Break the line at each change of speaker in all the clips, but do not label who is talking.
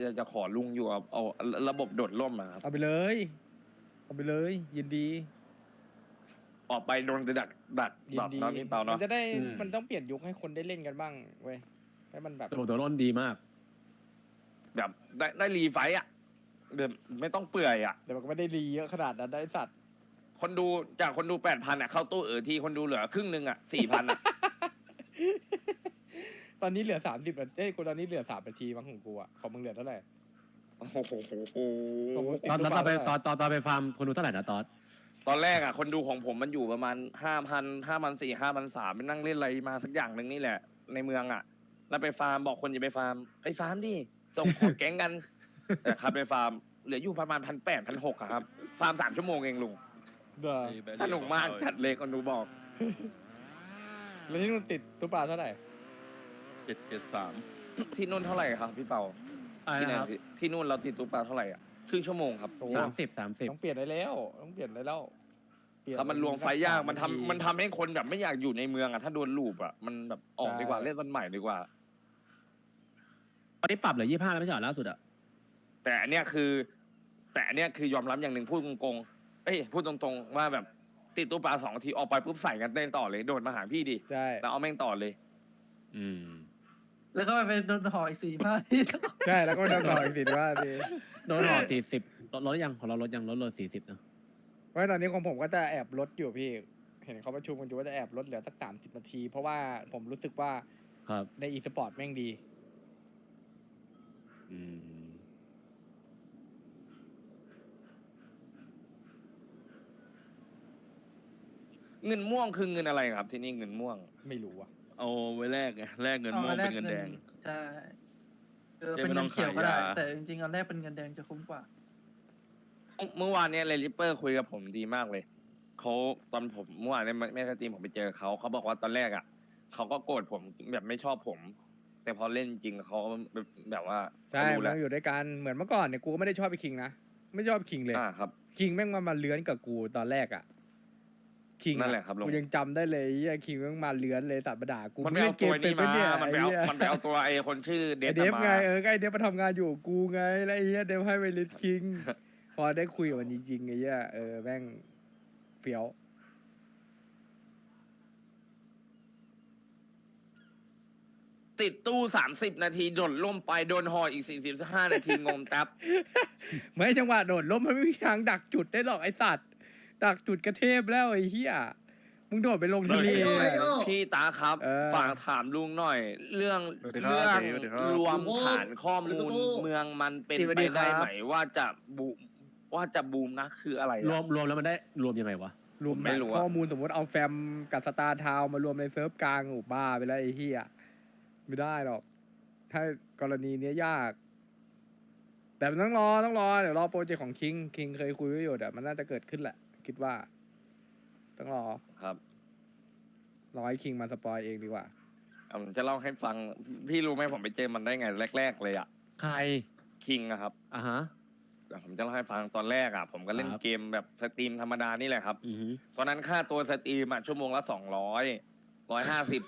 จะขอลุงอยู่เอาระบบโดดร่มอะครับ
เอาไปเลยเอาไปเลยยินดี
ออกไปโดนจะดัก
ยินดี
เนาะพี่เปา
มั
เนาะ
นจะได้
อืม
มันต้องเปลี่ยนยุคให้คนได้เล่นกันบ้างเว้ยให้มันแบบ
ระบบตัวร่นดีมาก
แบบได้รีไฟต์อ่ะเดี๋ยวไม่ต้องเปื่อยอ่ะ
แต่มันก็ไม่ได้รีเยอะขนาดนั้นได้สัตว์
คนดูจากคนดู8,000อ่ะเข้าตู้ทีคนดูเหลือครึ่งหนึงอ่ะ4,000อ่ะ
ตอนนี้เหลือ30 นาทีกูตอนนี้เหลือ3 นาทีมั้งของกูอ่ะของมึงเหลือเท่าไหร่
โอ้โห
ของมึงติด
ตอน
ตู้
ตอนไป
เปล่า
ตอนไปฟาร์มคนดูเท่าไหร่นะตอน
ตอนแรกอ่ะคนดูของผมมันอยู่ประมาณ5,000 5,400 5,300ไปนั่งเล่นอะไรมาสักอย่างหนึ่งนี่แหละ ในเมืองอ่ะ แล้วไปฟาร์มบอกคนอย่าไปฟาร์มไปฟาร์มดิส่งของแก๊งกัน แต่ครับไปฟาร์มเหลืออยู่ประมาณ1,800 1,600อะครับฟาร์ม3 ชั่วโมงเองลุง
เด้อ
สนุกมากจัดเลยคนดูบอก
แล้วที่นู่นติดตู้ปลาเท่าไหร่
773
ที่นู่นเท่าไหร่ครับพี่เปา
อะไร
ที่ไหน
นะครับ
ที่นู่นเราติดตุ๊กตาเท่าไหร่อ่ะครึ่งชั่วโมงครับ
โอ้
30
ต้องเปลี่ยนได้แล้วต้องเปลี่ยนได้แล้วเปลี่ยน
ครับมันรวมไฟยากมัน
สัก3
ทำให้คนแบบไม่อยากอยู่ในเมืองอ่ะถ้าโดนลูปอ่ะมันแบบออกดีกว่าเล่นวันใหม่ดีกว่า
ตอนนี้ปรับเหลือ25แล้วไม่ใช่เหรอล่าสุดอะ
แต่อันเนี้ยคือยอมรับอย่างหนึ่งพูดตรงๆพูดตรงๆว่าแบบติดตุ๊กตา2 ทีออกไปปุ๊บใส่กันเต้นต่อเลยโดดมาหาพี่ดิ
ใช่
แล้วเอาแม่งต่อเลย
อืม
แล้วก็ไปโดนห่ออีก4 5 ที
ใช่แล้วก็โดนต่ออีก15 นาที
โดนหอ40ลดยังของเราลดยังลด40เนอะ
เพราะตอนนี้ของผมก็จะแอบลดอยู่พี่เห็นเขาประชุมกันอยู่ว่าจะแอบลดเหลือสัก30 นาที เพราะว่าผมรู้สึกว่า
ครับ
ในอีสปอร์ตแม่งดี
อืม
เงินม่วงคือเงินอะไรครับ ที่นี่เงินม่วง
ไม่รู้อ่ะ
เอาไว้แลกไงแลกเงินม่วงเป็นเงินแดง
ใช่เออ
จะ
เป็น
ไม่ต้
เงิ
อน ง
เขียวก็ได้
ขายยา
แต่จริงๆอันแรกเป็นเงินแดงจะคุ้มกว่า
เมื่อวานเนี่ยเรลิเปอร์คุยกับผมดีมากเลยเขาตอนผมเมื่อวานเนี่ยแม่สตรีมผมไปเจอเขาบอกว่าตอนแรกอ่ะเขาก็โกรธผมแบบไม่ชอบผม แต่พอเล่นจริงเขาแบบว่า
ใช่
เขารู้
มั
แล้ว
นอยู่ด้วยกันเหมือนเมื่อก่อนเนี่ยกูก็ไม่ได้ชอบไอ้คิงนะไม่ชอบคิงเลย
ครับ
คิงแม่งมาเลื้อนกับกูตอนแรกอ่ะคิง
นั่นแหละครับลุง
กูยังจำได้เลยไอ้เหี้ยคิงแม่งมาเลื้อนเลยสัตว์ประดากู
มันไปเอาตัวนี้มา มันไป
ไอ้
เอา
เหี้ย
มันไปเอาตัวไอ้คนชื่อเด
ไอ
ฟ
เดฟ
มา
ไงก็ไอเดฟมาทำงานอยู่กับกูไงแล้วไอ้เหี้ยเดฟให้ไปลิสคิง พอได้คุยกับมันจริงๆไอ้เหี้ยแม่งเฟี้ยว
ติดตู้30 นาทีโดนล่มไปโดนหออีก45 นาทีงงแท็บ
ไม่จังหวะโดดล้มมันไม่มีทางดักจุดได้หรอกไอสัตว์ดักจุดกระเทพแล้วไอ้เหี้ยมึงโดดไปลงทะเล
พี่ตาครับ ฝากถามลุงหน่อย เรื่อง
สวัสดีครับ
เรื่อง
สวัสดีครับ
รวมฐานข้อมูลเมืองมันเป็นไปได้ไหมว่าจะบูมนะคืออะไรอะ
รวมแล้วมันได้รวมยังไงวะ
รวม
ไม่
แบบ
รู้อะ
ข้อมูลสมมติเอาแฟมกับสตาร์ทาวมารวมในเซิร์ฟกลางโอ้บ้าไปแล้วไอ้เหี้ยไม่ได้หรอก ถ้ากรณีเนี้ยยาก แต่มันต้องรอเดี๋ยวรอโปรเจกต์ของคิงเคยคุยไว้อยู่เดี๋ยวมันน่าจะเกิดขึ้นแหละ คิดว่า ต้องรอ
ครับ
รอให้คิงมาสปอยเองดีกว่า
ผมจะเล่าให้ฟัง พี่รู้ไหมผมไปเจอมันได้ไงแรก ๆ เลยอะ
ใคร
คิงอะครับ
อ่ะฮะ
เดี๋ยวผมจะเล่าให้ฟังตอนแรกอะผมก็เล่น
ครับ
เกมแบบสตรีมธรรมดานี่แหละครับ
อือฮึ
ตอนนั้นค่าตัวสตรีมอะชั่วโมงละ200 150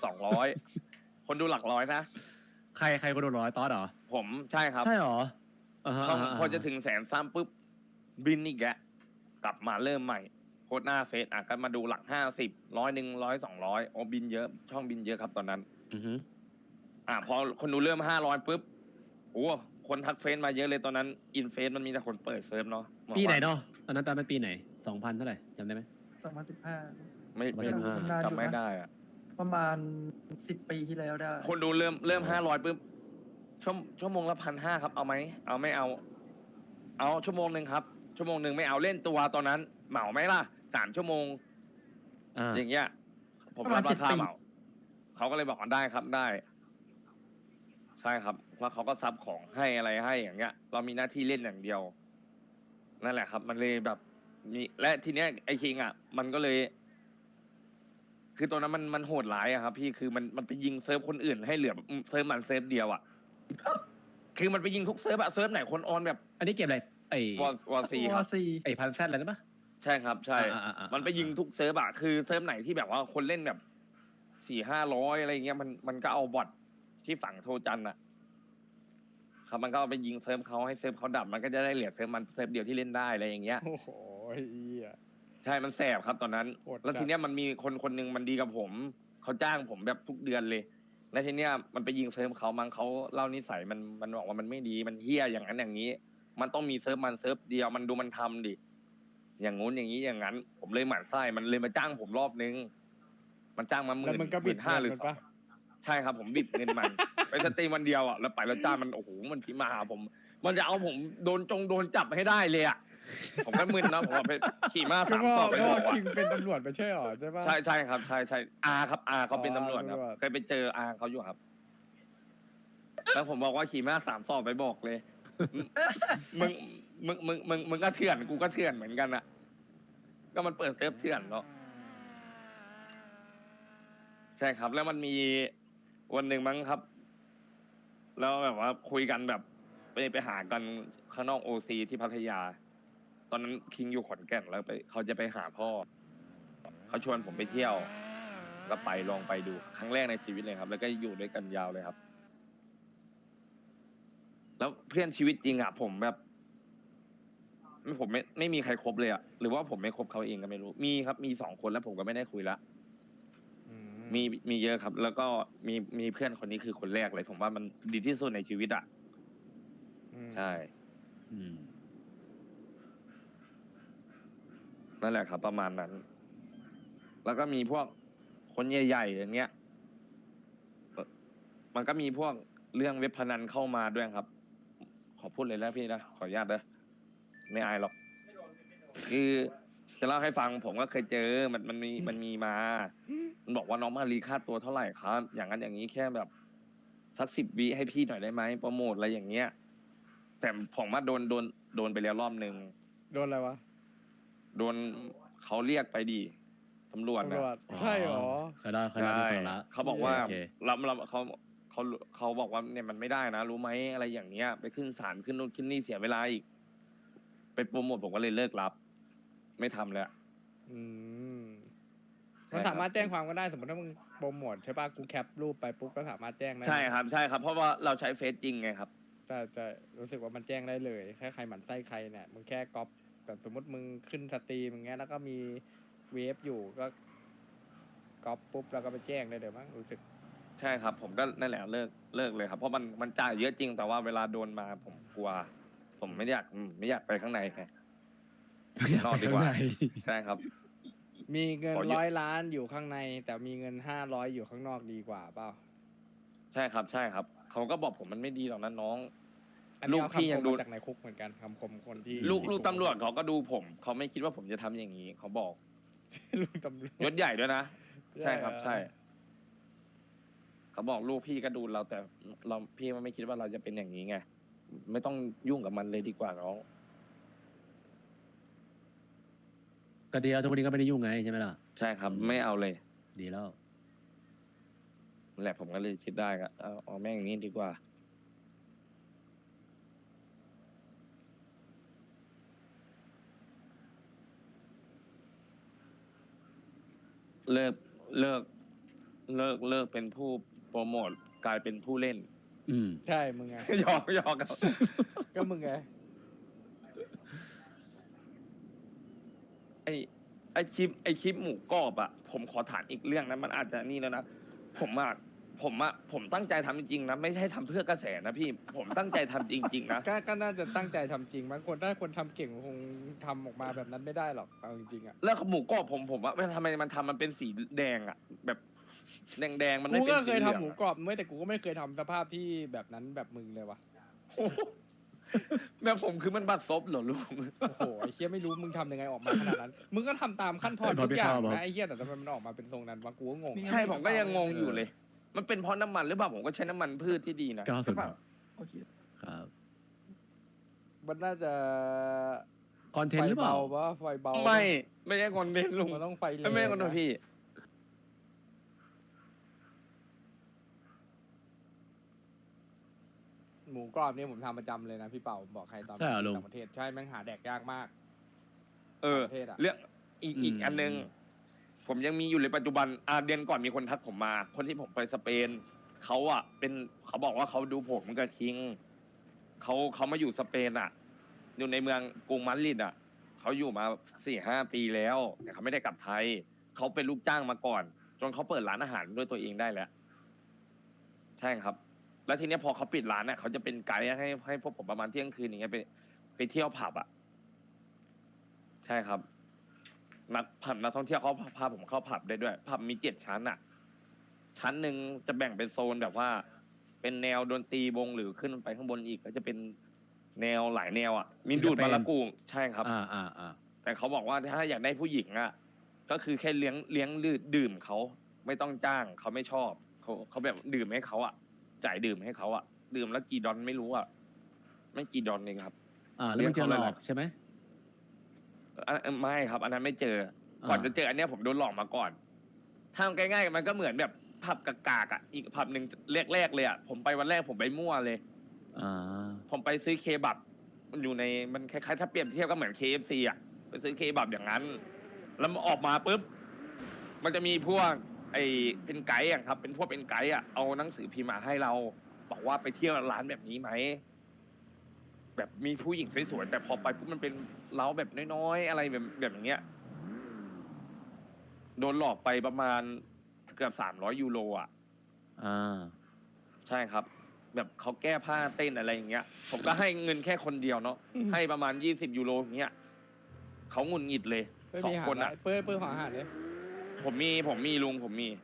200 คนดูหลักร้อยนะ
ใครก็โดนร้อยตอสเหรอ
ผมใช่ครับ
ใช่เหรออ่าฮะ
ช่อง
าฮ
พอจะถึง100,000ปุ๊บบินอีกแกะกลับมาเริ่มใหม่โคตรหน้าเฟซก็มาดูหลัก50 100 100 200โอ้บินเยอะช่องบินเยอะครับตอนนั้น
อือฮึ
พอคนดูเริ่ม500ปุ๊บโอ้คนทักเฟซมาเยอะเลยตอนนั้นอินเฟซมันมีแต่คนเปิดเซิร์ฟเนาะ
ปีไหนเนาะตอนนั้นปีไหน2,000เท่าไหร่จำได้ไหม
2015
ไม่
ประมาณ
จำไม่ได้อะ
ประมาณ10 ปีที่แล้วได้
คนดูเริ่ม500ปุ๊บชั่วโมงละ1,500ครับเอาไหมเอาไม่เอาชั่วโมงหนึ่งครับชั่วโมงหนึ่งไม่เอาเล่นตัวตอนนั้นเหมาไหมล่ะ3 ชั่วโมง
อ่า
อย่างเงี้ยผมรับราคาเหมาเขาก็เลยบอกว่าได้ครับได้ ใช่ครับแล้วเขาก็ซับของให้อะไรให้อย่างเงี้ย เรามีหน้าที่เล่นอย่างเดียว นั่นแหละครับ มันเลยแบบมีและทีเนี้ยไอ้คิงอ่ะ มันก็เลย คือตอนนั้นมันโหดร้ายอะครับพี่คือมันไปยิงเซิร์ฟคนอื่นให้เหลือเซิร์ฟมันเซิร์ฟเดียวอ่ะคือมันไปยิงทุกเซิร์ฟอะเซิร์ฟไหนคนออนแบบ
อันนี้เกมอะไรไอ้
วอซีครับ
ซี
ไอ้พันแซดอะไรนะปะ
ใช่ครับ ใช่
อ่า
มันไปยิงทุกเซิร์ฟอะคือเซิร์ฟไหนที่แบบว่าคนเล่นแบบ400-500อะไรเงี้ยมันก็เอาบอทที่ฝั่งโทจันอะคครับมันก็เอาไปยิงเซิร์ฟเขาให้เซิร์ฟเขาดับมันก็จะได้เหลือเซิร์ฟมันเซิร์ฟเดียวที่เล่นได้อะไรอย่างเงี้ย
โอ้โหไอ้เหี้ย
ใช่มันแสบครับตอนนั้น
โหดจัด
แล้วทีเนี้ยมันมีคนคนหนึ่งมันดีกับผมเขาจ้างผมแบบทุกเดือนเลย แล้วทีเนี้ยมันไปยิงเซิร์ฟเขามั้งเขาเล่านิสัยมันบอกว่ามันไม่ดีมันเฮี้ยอย่างนั้นอย่างนี้ มันต้องมีเซิร์ฟมันเซิร์ฟเดียวมันดูมันทำดิอย่างงู้นอย่างนี้อย่างนั้น ผมเลยหมั่นไส้มันเลยมาจ้างผมรอบนึง มันจ้างมาห
แล้ว
มื่น
มันก็บิด
15,000หรือ
เงิน
2
ปะ
ใช่ครับผมบิดเงินมัน ไปสตรีมวันเดียวอ่ะแล้วไปแล้วจ้างมันโอ้โหมันพิมพ์มาหาผม มันจะเอาผมโดนจับให้ได้เลยอ่ะผมก็มึนนะผมว่าไปขี่ม้า
ก็
สาม
ว่า
สอบไป
ก็
บอ
ว่าก
ว่า
คิงเป็นตำรวจไม่ใช่หรอใช่ปะ
ใช่ครับใช่อาครับอาเขาเป็นตำรวจครับ
ตำรวจ
เคยไปเจออาเขาอยู่ครับ แล้วผมบอกว่าขี่ม้า3 สอบไปบอกเลย มึงก็เถื่อนกูก็เถื่อนเหมือนกันอะก็มันเปิดเซิร์ฟเถื่อนเนาะใช่ครับ แล้วมันมีวันหนึ่งมั้งครับ แล้วแบบว่าคุยกันแบบไปหากันข้างนอกโอซีที่พัทยา ตอนนั้นคิงอยู่ขอนแก่นแล้วเขาจะไปหาพ่อเขาชวนผมไปเที่ยว ก็ไปลองไปดูครั้งแรกในชีวิตเลยครับ แล้วก็อยู่ด้วยกันยาวเลยครับ แล้วเพื่อนชีวิตจริงอ่ะผมแบบผมไม่มีใครคบเลยอ่ะหรือว่าผมไม่คบเขาเองก็ไม่รู้มีครับมี2 คนแล้วผมก็ไม่ได้คุยละ
อืม
มีเยอะครับ แล้วก็มีเพื่อนคนนี้คือคนแรกเลย ผมว่ามันดีที่สุดในชีวิตอ่ะ
อืม
ใช่
อืม
นั่นแหละครับ ประมาณนั้น แล้วก็มีพวกคนใหญ่ๆอย่างเงี้ยมันก็มีพวกเรื่องเว็บพนันเข้ามาด้วยครับ ขอพูดเลยแล้วพี่นะขออนุญาตนะไม่อายหรอก คือจะเล่าให้ฟังผมก็เคยเจอมันมีมา มันบอกว่าน้องมารีค่าตัวเท่าไหร่ครับ อย่างนั้นอย่างนี้แค่แบบสัก10 วิให้พี่หน่อยได้ไหมโปรโมทอะไรอย่างเงี้ย แต่ผมว่าโดนไปแล้วรอบนึง
โดนอะไรวะ
โดนเขาเรียกไปดีตำรวจ
ตำ
นะ
รวจใช่หรอ
เคยได้ที่ฟังละ
เขาบอกว่า
โอเค
เราเขาบอกว่าเนี่ยมันไม่ได้นะ รู้ไหมอะไรอย่างเงี้ย ไปขึ้นศาลขึ้นนู่นขึ้นนี่เสียเวลาอีก ไปโปรโมทผมก็เลยเลิกรับ ไม่ทำแล้ว
อืม
ใช่
มัน
ครับ
สามารถแจ้งความก็ได้สมมติถ้ามึงโปรโมทใช่ป่ะกูแคปรูปไปปุ๊บก็สามารถแจ้งได้
ใช่ครับใช่ครับ เพราะว่าเราใช้เฟซจริงไงครับ
จะรู้สึกว่ามันแจ้งได้เลยแค่ใครหมั่นไส้ใครเนี่ยมึงแค่ก๊อปแบบสมมติมึงขึ้นสตรีมอย่างเงี้ยแล้วก็มีเวฟอยู่ก็ก๊อปปุ๊บแล้วก็ไปแจ้งได้เลยมั้งรู้สึก
ใช่ครับ ผมก็นั่นแหละเลิกเลยครับ เพราะมันจ่ายเยอะจริงแต่ว่าเวลาโดนมาผมกลัว ผมไม่อยากไปข้างในไง นอกดีกว่า ใช่ครับ
มีเงิน
ขอเยอะ
100 ล้านอยู่ข้างใน แต่มีเงิน500อยู่ข้างนอกดีกว่าเปล่า
ใช่ครับใช่ครับเขาก็บอกผมมันไม่ดีหรอกนะน้อง
อันนี้
ลูก
เอา
พี่
คำ
ยั
ค
ง
ม
ดู
มาจากในคุกเหมือนกันคำคมคนที่
ลูก
ที่คุก
ตำรวจเขาก็ดูผมเขาไม่คิดว่าผมจะทำอย่างนี้เขาบอก
ลูกตำรวจ
ยศใหญ่ด้วยนะ ใช่ครับ
เหอ
ใช่ เขาบอกลูกพี่ก็ดูเราแต่เราพี่มันไม่คิดว่าเราจะเป็นอย่างนี้ไงไม่ต้องยุ่งกับมันเลยดีกว่าน้อง
ก็ดีแล้วทุกวันนี้ก็ไม่ได้ยุ่งไงใช่ไหมล่ะ
ใช่ครับ ไม่เอาเลย
ดีแล้ว
นั่นแหละผมก็เลยคิดได้ก็เอาแม่งอย่างนี้ดีกว่า เลิกเป็นผู้โปรโมทกลายเป็นผู้เล่น
อืม
ใช่มึงไง
หยอกครับ
ก็มึงไง
ไอคลิปหมูกรอบอะผมขอถามอีกเรื่องนะมันอาจจะนี่แล้วนะผมตั้งใจทำจริงๆนะไม่ใช่ทำเพื่อกระแสนะพี่ ผมตั้งใจทำจริงๆนะ
ก็น่าจะตั้งใจทำจริงบางคนถ้าคนทำเก่งคงทำออกมาแบบนั้นไม่ได้หรอกเอาจริงๆอ่ะ
แล้วหมูกรอบผมว่าทำไมมันทำมันเป็นสีแดงอะแบบแดงมันไม่
กู
เป็น
ก็
สี
เคย
เหลื
ทำ
อง
หมู
อะ
กรอบไม่แต่กูก็ไม่เคยทำสภาพที่แบบนั้นแบบมึงเลยวะ
แบบผมคือมันบัดซบเหรอลุง
โอ้โหไอ้เหี้ยไม่รู้มึงทำยังไงออกมาขนาดนั้น มึงก็ทำตามขั้นตอน
พอ
ทุกอย่าง
พี่เข้า
นะไอ้เหี้ยแต่ทำไมมันออกมาเป็นทรงนั้นวะกูก็งง
ใช่ผมก็ยังงงอยู่เลย มันเป็นเพราะน้ำมันหรือเปล่าผมก็ใช้น้ำมันพืชที่ดีนะ
90
ใช่ปะโอเค
ครับ
มันน่าจะ
คอนเทน
ไฟ
ต์หรือเปล่า
เบาปะไฟเบา
ไม่ใช่คนเด่นลุง
มันต้องไฟแรง
ไม่ใช่คนโดน
นะ
พี่
หมูกรอบนี่ผมทำประจำเลยนะพี่เป่าผมบอกใครตอน
ใช่เหรอลุง
ต่างประเทศใช่แม่งหาแดกยากมาก
เออ
ประเทศอะ
เรื่องอีกอันนึง ผมยังมีอยู่ในปัจจุบันเดือนก่อนมีคนทักผมมา คนที่ผมไปสเปนเขาบอกว่าเขาดูผมกับคิงเขามาอยู่สเปนอ่ะ อยู่ในเมืองกรุงมาดริดอ่ะเขาอยู่มา4-5 ปีแล้ว แต่เขาไม่ได้กลับไทยเขาเป็นลูกจ้างมาก่อน จนเขาเปิดร้านอาหารด้วยตัวเองได้แล้วใช่ครับ แล้วทีเนี้ยพอเขาปิดร้านเนี่ยเขาจะเป็นไกด์ให้พวกผมประมาณเที่ยงคืนอย่างเงี้ยไปเที่ยวผับอ่ะใช่ครับนักท่องเที่ยวเขาพาผมเข้าผับได้ด้วยผับมี7 ชั้นอ่ะ ชั้นหนึ่งจะแบ่งเป็นโซนแบบว่า เป็นแนวดนตรีวงหรือขึ้นไปข้างบนอีกก็จะเป็นแนวหลายแนวอ่ะมีดูดบาลากูใช่ครับ แต่เขาบอกว่าถ้าอยากได้ผู้หญิงอ่ะ ก็คือแค่เลี้ยงดื่มเขาไม่ต้องจ้างเขาไม่ชอบเขาแบบดื่มให้เขาอ่ะจ่ายดื่มให้เขาอ่ะดื่มแล้วกี่ดอนไม่รู้อ่ะไม่กี่ดอนเองครับ
แล้วมันเจอหลอกใช่ไหม
ไม่ครับ อันนั้นไม่เจอ ก่อนจะเจออันเนี้ยผมโดนหลอกมาก่อนถ้าง่ายๆมันก็เหมือนแบบผับกากๆอ่ะอีกผับหนึ่งแรกๆเลยอ่ะผมไปวันแรกผมไปมั่วเลยผมไปซื้อเคบับมันอยู่ในมันคล้ายๆถ้าเปรียบเทียบก็เหมือน KFC อ่ะไปซื้อเคบับอย่างนั้น แล้วมันออกมาปุ๊บมันจะมีพวกเป็นไกด์อะครับ เป็นพวกเป็นไกด์อ่ะเอาหนังสือพิมพ์มาให้เราบอกว่าไปเที่ยวร้านแบบนี้ไหมแบบมีผู้หญิงสวยๆแต่พอไปปุ๊บมันเป็นเล้าแบบน้อยๆอะไรแบบอย่างเงี้ยโดนหลอกไปประมาณเกือบ300 ยูโรอ่ะใช่ครับ แบบเขาแก้ผ้าเต้นอะไรอย่างเงี้ย ผมก็ให้เงินแค่คนเดียวเนาะให้ประมาณ20 ยูโรอย่างเงี้ยเขางุนงิดเลย2 คนอ่ะ
เปิ้ลของอาหารเลย
ผมมีลุงผมมี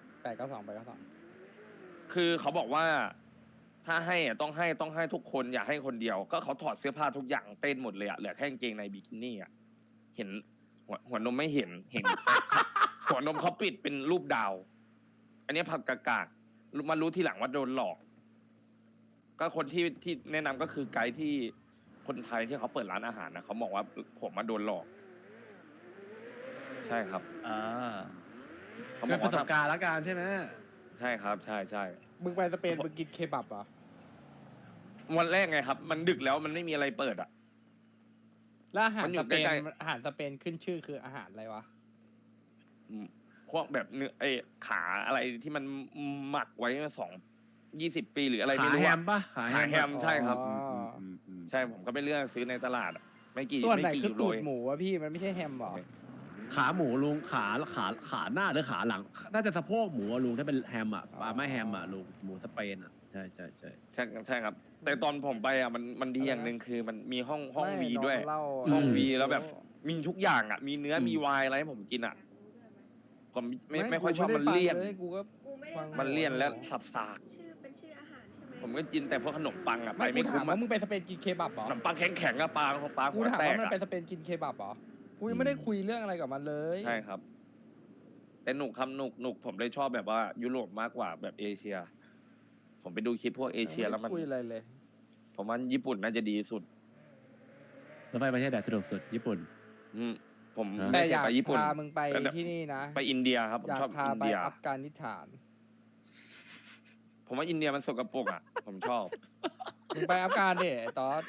892
คือเขาบอกว่าถ้าให้อะต้องให้ทุกคนอย่าให้คนเดียว ก็เขาถอดเสื้อผ้าทุกอย่างเต้นหมดเลยอะเหลือแค่กางเกงในบิกินี่อะเห็นหัวนมไม่เห็น หัวนมเขาปิดเป็นรูปดาว อันนี้ผับกากๆมารู้ทีหลังว่าโดนหลอก ก็คนที่แนะนำก็คือไกด์ที่คนไทยที่เขาเปิดร้านอาหารนะเขาบอกว่าผมมาโดนหลอก ใช่ครับเขาบ
เป็
อน ก
ประ
ว่า
สบการณ์ละกันใช่ไหม
ใช่ครับ ใช่
มึงไปสเปนมึงกินเคบับเหรอ
วันแรกไงครับ มันดึกแล้วมันไม่มีอะไรเปิดอ่ะ
แล้วอาหาร
มันอยู่
สเปน
ใกล้
อาหารสเปนขึ้นชื่อคืออาหารอะไรวะ
พวกแบบเนื้อขาอะไรที่มันหมักไว้20 ปีหรืออะไร
ขา
ไม่รู้
แฮ
อะ
มปะขา
ขา
แฮ
แฮ
ม
มใช่ครับ
อ๋อ
ใช่ผมก็ไปเลือกซื้อในตลาดอะไม่กี่
ส่วนไหน
ไม่กี่
คือ
ยูโร
ตูด
เอง
หมูวะพี่มันไม่ใช่แฮมเหรอ
ขาหมูลุงขาหน้าหรือขาหลังน่าจะสะโพกหมูอะลุงถ้าเป็นแฮมอ่ะไม่แฮมอ่ะลุงหมูสเปนอ่ะใช่
ใช่ครับ แต่ตอนผมไปอ่ะมันดีอย่างหนึ่งคือมันมีห้อง
ไม่
วีด้วย
น้องเล่า
ห้องวีแล้วแบบ มีทุกอย่างอ่ะ มีเนื้อมีไวน์อะไรให้ผมกินอ่ะ ผมไม่ค่อยชอบมันเลี่ยน
กูก็
กูไม่ได้
ฟัง
มันเลี่ยนและสับสาก
เป็นชื่ออาหารใช่ไหม
ผมก็กินแต่พวกขนมปังอ่ะไป
ไม่กู
ไม่
ถา
คุ้
ม
ม
ว่า
อ่ะ
มึงไปสเปนกินเคบับเหรอ
ขนมปังแข็งๆอะปลาหั
กู
ว
ถาม
แต
ว่าก มัน
อะ
ไปสเปนกินเคบับเหรอ กูยังไม่ได้คุยเรื่องอะไรกับมันเลย
ใช่ครับ แต่หนุกผมเลยชอบแบบว่ายุโรปมากกว่าแบบเอเชีย ผมไปดูคลิปพวกเอเชียแล้วมัน
ไได้คุยอะไรเลย
ผมว่าญี่ปุ่นน่าจะดีสุด
แล้วไปประเทศไหนสะดวกสุดญี่ปุ่น
อืมผม
แต่
ไม่
อ
เคย
ยาก
ไปญี่ปุ่น
พามึงไป
แต่
ที่นี่นะ
ไปอินเดียครับผม
อยาก
ชอบ
พา
อิน
ไป
เดีย
อัฟกานิสถาน
ผมว่าอินเดียมันสกปรกอ่ะ ผมชอบ
มึงไปอัฟกานดิไอ้ตอส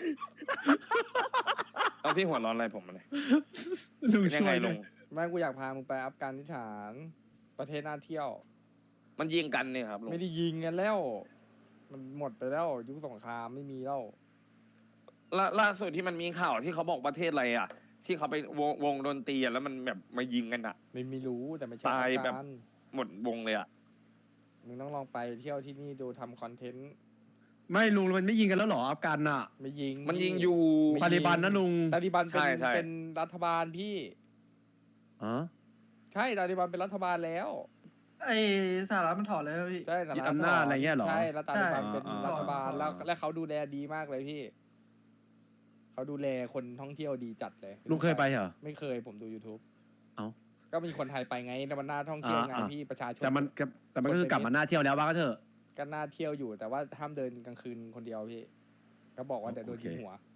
เอาพี่หัวร้อนอะไรผมมาเลย
ลุง
เป็นยัง
ช่ว
ไง
ย
ลุง
ไม่กูอยากพามึงไปอัฟกานิสถาน ประเทศน่าเที่ยว
มันยิงกันเนี่ยครับลุง
ไม่ได้ยิงกันแล้ว มันหมดไปแล้วยุคสงครามไม่มีแล้ว
ล่าสุดที่มันมีข่าวที่เขาบอกประเทศอะไรอ่ะ ที่เขาไปวงดนตรีอะแล้วมันแบบมายิงกันอ่ะ
ไม่รู้แต่ไม่ใช่
ตาย
อัฟ
แบบ
กาน
หมดวงเลยอ่ะ
มึงต้องลองไปเที่ยวที่นี่ดูทำคอนเทนต์
ไม่ลุงมันไม่ยิงกันแล้วหรออัฟกันอ่ะ
ไม่ยิง
มันยิงอยู่
ไม่
ตาลิบันนะลุง
ตาลิบันเป็น
ใช่ใช่
เป็นรัฐบาลพี่
อ๋อ
ใช่ตาลิบันเป็นรัฐบาลแล้ว
ไอสหรัฐมันถอดเลยพี่
ใช่สห
ยึด
รัฐ
อำนาจอะไรเงี้ยเหรอ
ใช่แล้วตาลิบัน
ใช่
เป็น
อ่า
รัฐบาล
อ่า
แล้วเขาดูแลดีมากเลยพี่เขาดูแลคนท่องเที่ยวดีจัดเลย
ลุงเคยไปเหรอ
ไม่เคยผมดู YouTube
เอ้า
ก็มีคนไทยไปไงแต่มันน่าท่องเที่ยวไง
อ่า
พี่ประชาชน
แต่มันก็คือกลับมาหน้าเที่ยวแล้วว่าก็เถอะ
ก็น่าเที่ยวอยู่แต่ว่าห้ามเดินกลางคืนคนเดียวพี่ก็บอกว่าเดี๋ยวโดนยิง
โอเค
หัว